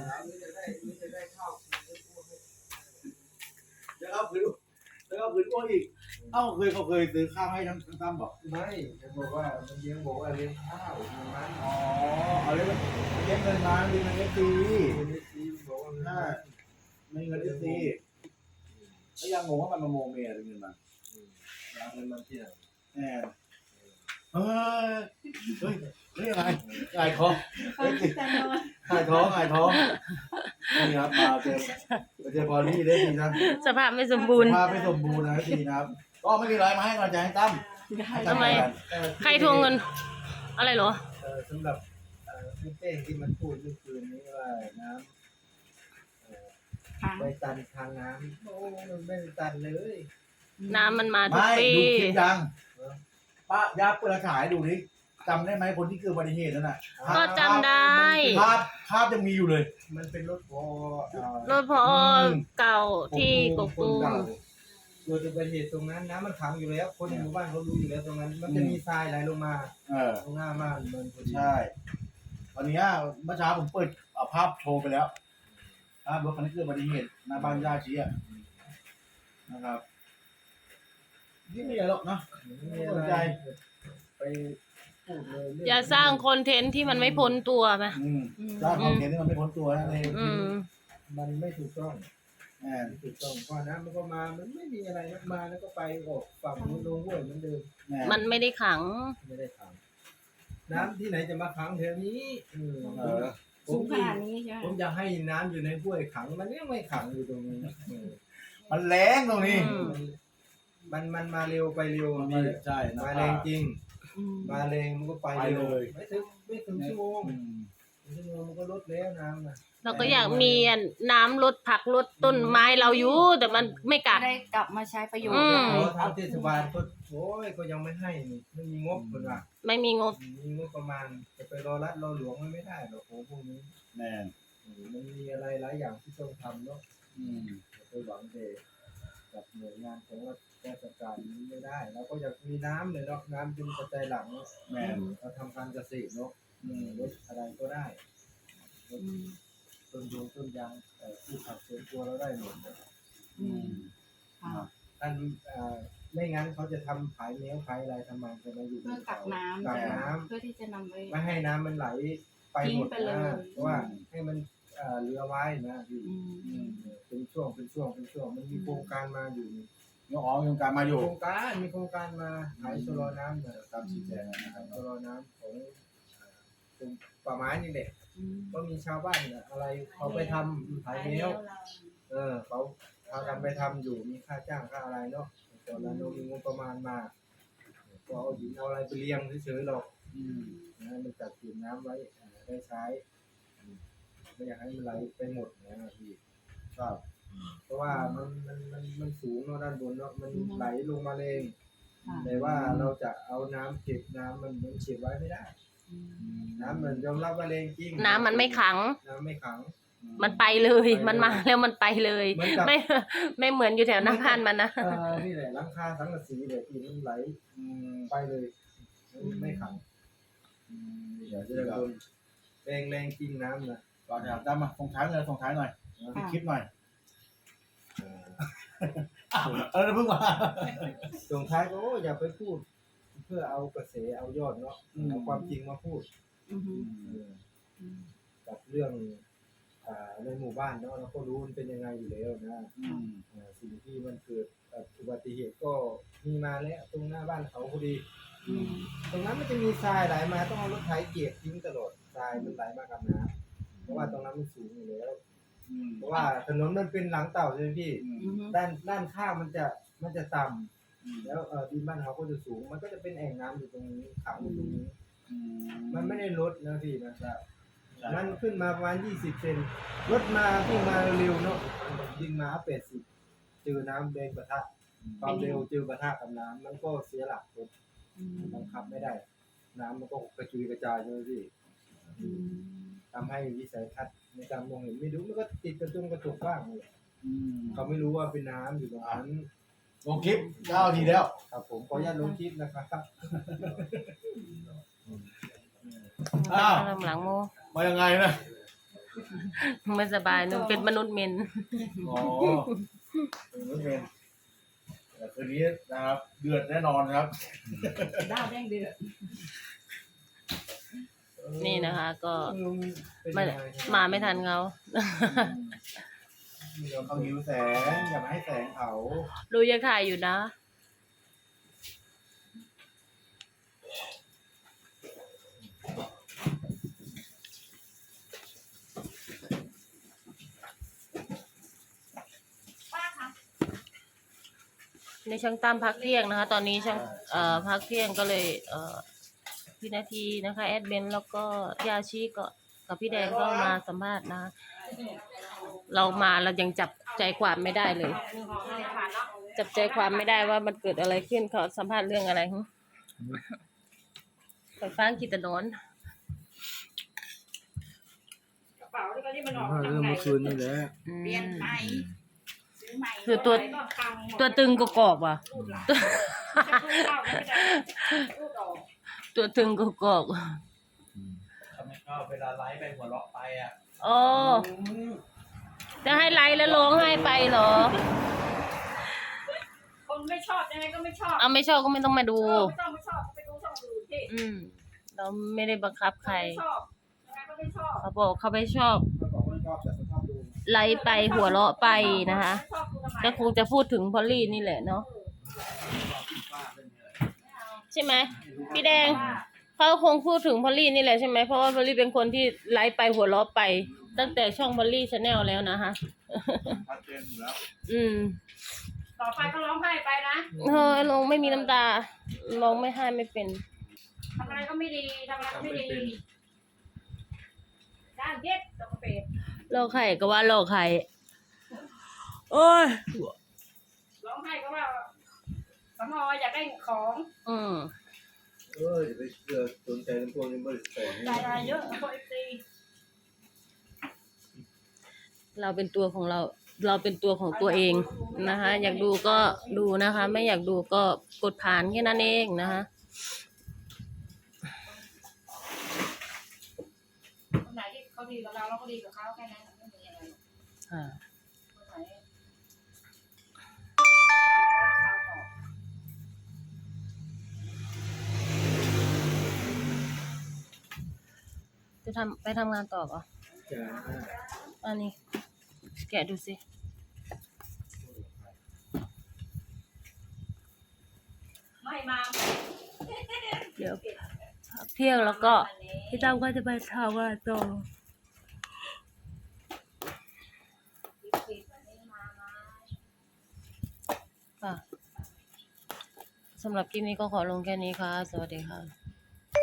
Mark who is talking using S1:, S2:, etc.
S1: จะได้ข้าว
S2: แล้วก็คืนอ้วนอีกเขาเคยซื้อข้าวให้ทั้งตั้มบอก
S1: ไม่จะบอกว่ามันเลี้ยงบอกว่าเลี้ยงข้าวมัน
S2: อ๋อเอาเลี้ยงเงินมาเลี้ยงเงินเอฟซี
S1: บอกว่า
S2: ไม่เงินเอฟซีแล้วยังงงว่ามันมาโมเมอะไรเงินมา
S1: เงินมันที่ไหน
S2: แหมเฮ้ยอะไรท้องนี่ครับมาเจอบอลนี่ได้ดีนะ
S3: สภาพไม่สมบูรณ์
S2: นะดีนะครับก็ไม่มีอะไรมาให้กำลังใจให้ตั้ม
S3: ทำไมใครทวงเงินอะไรเหรอ
S1: สำหรับพี่เป้งที่มันพูดเมื่อคืนนี้ว่าน้ำไปตันทางน้ำโอ้มันไม่ตันเลย
S3: น้ำมันมาทุกปี
S2: ดูคลิปยังป้ายาเปิดฉายดูดิจำได้ไหมคนที่เกิดอุบัติเหตุนั่นน่ะ
S3: ก็จำได้
S2: ภาพยังมีอยู่เลย
S1: มันเป็นรถพอ
S3: เก่าที่กกตูม
S1: เกิดอุบัติเหตุตรงนั้นน้ำมันขังอยู่แล้วคนในหมู่บ้านเขารู้อยู่แล้วตรงนั้นมันจะมีทรายไหลลงมาตรงหน้าบ้านมัน
S2: ใช่วันนี้เมื่อเช้าผมเปิดภาพโชว์ไปแล้วรถคันนี้เกิดอุบัติเหตุหน้าบ้านญาติชี้นะครับนี่ไม่ใช่หรอกนะไม่สนใจ
S1: ไปพูดเลย
S3: อย่าสร้างคอนเทนต์ที่มันไม่พ้นตัวไหม
S2: สร้างคอนเทนต์ที่มันไม่พ้นตัวนั่นเอง
S1: มันไม่ถูกต้องถูกต้องเพราะน้ำมันก็มามันไม่มีอะไรมาแล้วก็ไปออกฝั่งนู้นลงห้วยเหมือนเดิม
S3: มันไม่ได้ขัง
S1: น้ำที่ไหนจะมาขังแถวนี้
S4: สูงขนาดนี้ใช่ไหม
S1: ผมอยากให้น้ำอยู่ในห้วยขังมันยังไม่ขังอยู่ตรงนี้
S2: มันแรงตรงนี้
S1: มันมาเร็วไปเร็ว
S2: ใช่
S1: มาแรงจริงมาแรงมันก็ไปเลยไม่ถึงชั่วโมงมันก็ลดแล้วน้ำนะ
S3: เราก็อยากมีน้ำลดผักลดต้นไม้เราอยู่แต่มันไม่กัด
S4: ได้กลับมาใช้ประโยชน์
S1: ทางเทศบาลก็โอ้ยก็ยังไม่ให้ไม่มีงบคนละ
S3: ไม่มีงบ
S1: ประมาณจะไปรอรัฐรอหลวงไม่ได้หรอกโอ้พวกนี้
S2: แน่
S1: มันมีอะไรหลายอย่างที่ต้องทำเนาะไปหวังแต่กับหน่วยงานของราชการนี้ไม่ได้เราก็อยากมีน้ำเลยเนาะน้ำเป็นปัจจัยหลักเนาะเราทำการเกษตรเนาะรถอะไรก็ได้ต้นยางพืชผักสวนครัวเราได้หมดท่านไม่งั้นเขาจะทำขายเนื้อขายอะไรทำไมจะมาอยู่
S4: เพื่อกักน้
S1: ำ
S4: เพื่อที่จะนำ
S1: ไม่ให้น้ำมันไหลไปหมดนะเพราะว่าให้มันเหลือไว้นะพี่เป็นช่วงมันมีโครงการมาอยู่
S2: มีโครงการมาอยู่
S1: มีโครงการมาขายชะลอน้ำตามชี้แจงนะครับชะลอน้ำของป่าไม้นี่แหละก็มีชาวบ้านอะไรเขาไปทำขายเนื้อเขาพากันไปทำอยู่มีค่าจ้างค่าอะไรเนาะตอนนั้นเรามีงบประมาณมาก็เอาหินเอาอะไรไปเลี้ยงเฉยๆหรอกมันจัดเก็บน้ำไว้ได้ใช้ไม่อยากให้มันไหลไปหมดนะพี่
S2: ครับ
S1: เพราะว่ามันสูงเนาะด้านบนเนาะมันไหลลงมาเองแต่ว่าเราจะเอาน้ำเก็บน้ำมันเก็บไว้ไม่ได้น้ำมันยอมรับว่าแรงจริง
S3: น้ำมันไม่ขังมันไปเลยมันมาแล้วมันไปเลยไม่เหมือนอยู่แถวน้ำพันมันนะ
S1: นี่แหละหลังคาสังกะสีเลยที่มันไหลไปเลยไม่ขังเดี๋ยวจะโดนแรงจริงน้ำนะ
S2: ก่อนจะมาส่งท้ายหน่อยคลิปหน่อยเพิ่งมา
S1: ส่งท้ายก็อย่าไปพูดเพื่อเอากระแสเอายอดเนาะเอาความจริงมาพูดกับเรื่องในหมู่บ้านเนาะเราก็รู้มันเป็นยังไงอยู่แล้วนะสิ่งที่มันเกิดอุบัติเหตุก็มีมาแล้วตรงหน้าบ้านเขาพอดีตรงนั้นมันจะมีทรายไหลมาต้องเอารถไถเก็บทิ้งตลอดทรายมันไหลมากับน้ำเพราะว่าตรงนั้นมันสูงอยู่แล้วเพราะว่าถนนมันเป็นหลังเต่าใช่ไหมพี่ด้านข้างมันจะต่ำแล้วดินบ้านเขาก็จะสูงมันก็จะเป็นแอ่งน้ำอยู่ตรงนี้ขังอยู่ตรงนี้มันไม่ได้ลดนะพี่นะครับมันขึ้นมาประมาณ20 เซนรถมาวิ่งมาเร็วเนาะวิ่งมา80เจอน้ำแดงปะทะความเร็วเจอปะทะกับน้ำมันก็เสียหลักรถบังคับไม่ได้น้ำมันก็กระจุยกระจายใช่ไหมพี่ทำให้วิสัยทัศน์ในการมองเห็นไม่รู้มันก็ติดกระจกบ้างเลยเขาไม่รู้ว่าเป็นน้ำอยู่ตรงนั้น
S2: ลงคลิป9 ทีแล้ว
S1: ครับผมขออนุญาตลงคลิปนะครับ
S3: หลังโม
S2: มายังไงนะ
S3: ไม่สบายหนูเป็นมนุษย์เมน
S2: อ๋อไม่เป็นแต่คืนนี้นะครับ เดือดแน่นอนครับ
S4: ดาวแดงเดือด
S3: นี่นะคะ ก็
S1: เป็น
S3: ไม่
S1: ยังไง
S3: มาไม่ทันเขา
S2: เขาหิวแสงอย่ามาให้แสงเขา
S3: ดูยังถ่ายอยู่นะ ในช่างตั้มพักเที่ยงนะคะ ตอนนี้ช่างพักเที่ยงก็เลยพี่นาทีนะคะแอดเบนแล้วก็ยาชีก็กับพี่แดงก็มาสัมภาษณ์นะคะเรามาเรายังจับใจความไม่ได้เลย จับใจความไม่ได้ว่ามันเกิดอะไรขึ้นเขาสัมภาษณ์เรื่องอะไรหึไปฟังกิตนนท์
S4: กระเป๋าที่ก็ที่มันออก
S1: เรื่องเมื่อคืนนี่แหละ
S4: เปลี่ยนใหม่ซื้อใหม่
S3: คือตัว
S4: ก็พังหมด
S3: ตัวตึงกกอกว่ะ
S4: รูดหลังจะพูดเข้าไม่ได้รูดออก
S3: ตัวตึงกกอก
S2: ทำไมเข้าเวลาไลฟ์ไปหัวเราะไปอ่ะ
S3: โอ้จะให้ไลฟ์แล้วร้องไห้ไปเหรอ
S4: คนไม่ชอบยังไงก็ไม่ชอบ
S3: เอาไม่ชอบก็ไม่ต้องมาดู
S4: ไม่ต้องไม่ชอบก็ไปดูช่องอื่นที่
S3: เราไม่ได้บังคับใคร
S4: ไม่ชอบยังไงก็ไม่ชอบ
S3: เขาบอกเขาไม่ชอบ
S2: เขาบอกว่าไม่ชอบแต่เขาชอบดู
S3: ไลฟ์ไปหัวเราะไปนะคะ
S4: ไม่ชอบดูทำไม
S3: ก็คงจะพูดถึงพอลลี่นี่แหละเนาะ
S2: ป้าเรื่องนี้เลย
S3: ใช่ไหมพี่แดงเขาคงพูดถึงพอลลี่นี่แหละใช่ไหมเพราะว่าพอลลี่เป็นคนที่ไลฟ์ไปหัวเราะไป ตั้งแต่ช่องพอลลี่ชาแนลแล้วนะคะ
S2: ชัดเจนอยู่แล้ว
S4: ต่อไปก็ร้องไห้ไปนะ
S3: ลงไม่มีน้ำตาลงไม่ให้ไม่เป็น
S4: ทำอะไรก็ไม่ดีทำอะไรก็ไม่ดีด้านเย็ดตกเป็ด
S3: โลกไข่ก็ว่าโลกไข่โอ้ย
S4: ร้องไห้ก็ว่าสมออยากได้ของ
S1: อย่าไปเชื่อสนใจในพวกนี้บริสุทธิ์
S4: รายได้เยอะพอตี
S3: เราเป็นตัวของเรา เราเป็นตัวของตัวเองนะคะ อยากดูก็ดูนะคะ ไม่อยากดูก็กดผ่านแค่นั้นเองนะคะ
S4: คนไหนที่เขาดีกับเราเราก็ดีกับเขาแค่นั้นไม่มีอะไรคนไหน
S3: จะไปทำงานต่อป่ะ
S1: จ้า
S3: อันนี้ แกะดูสิ
S4: ไม่มา
S3: เดี๋ยวพักเที่ยงแล้วก็พี่ตั้มก็จะไปทำงานต่อค่ะสำหรับคลิปนี้ก็ขอลงแค่นี้ค่ะ สวัสดีค่ะ